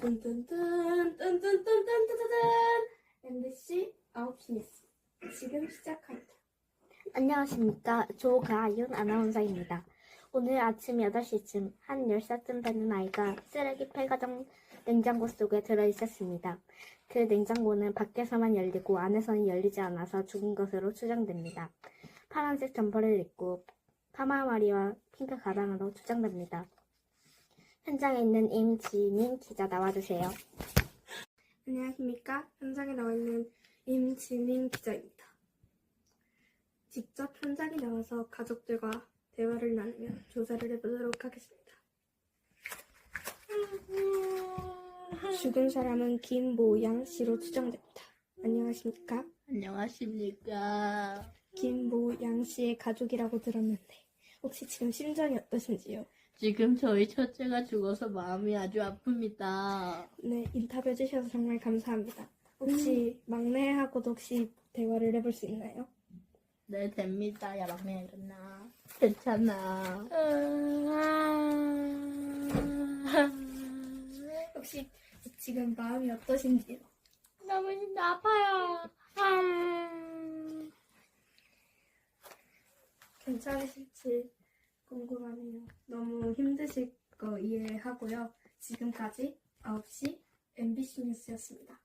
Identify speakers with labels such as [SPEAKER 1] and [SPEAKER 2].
[SPEAKER 1] 뚠뚠뚠뚠뚠뚠뚠뚠뚠 MBC 9시 뉴스 지금 시작합니다.
[SPEAKER 2] 안녕하십니까. 조가윤 아나운서입니다. 오늘 아침 8시쯤 한 10살쯤 되는 아이가 쓰레기 폐가정 냉장고 속에 들어있었습니다. 그 냉장고는 밖에서만 열리고 안에서는 열리지 않아서 죽은 것으로 추정됩니다. 파란색 점퍼를 입고 파마머리와 핑크 가방으로 추정됩니다. 현장에 있는 임지민 기자 나와주세요.
[SPEAKER 1] 안녕하십니까. 현장에 나와 있는 임지민 기자입니다. 직접 현장에 나와서 가족들과 대화를 나누며 조사를 해보도록 하겠습니다. 죽은 사람은 김모양 씨로 추정됩니다. 안녕하십니까.
[SPEAKER 3] 안녕하십니까.
[SPEAKER 1] 김모양 씨의 가족이라고 들었는데 혹시 지금 심정이 어떠신지요?
[SPEAKER 3] 지금 저희 첫째가 죽어서 마음이 아주 아픕니다.
[SPEAKER 1] 네, 인터뷰 해주셔서 정말 감사합니다. 혹시 막내하고도 혹시 대화를 해볼 수 있나요?
[SPEAKER 3] 네, 됩니다. 야, 막내 일어나. 괜찮아.
[SPEAKER 1] 혹시 지금 마음이 어떠신지요?
[SPEAKER 3] 너무 아파요.
[SPEAKER 1] 괜찮으실지 궁금하네요. 너무 힘드실 거 이해하고요. 지금까지 9시 MBC 뉴스였습니다.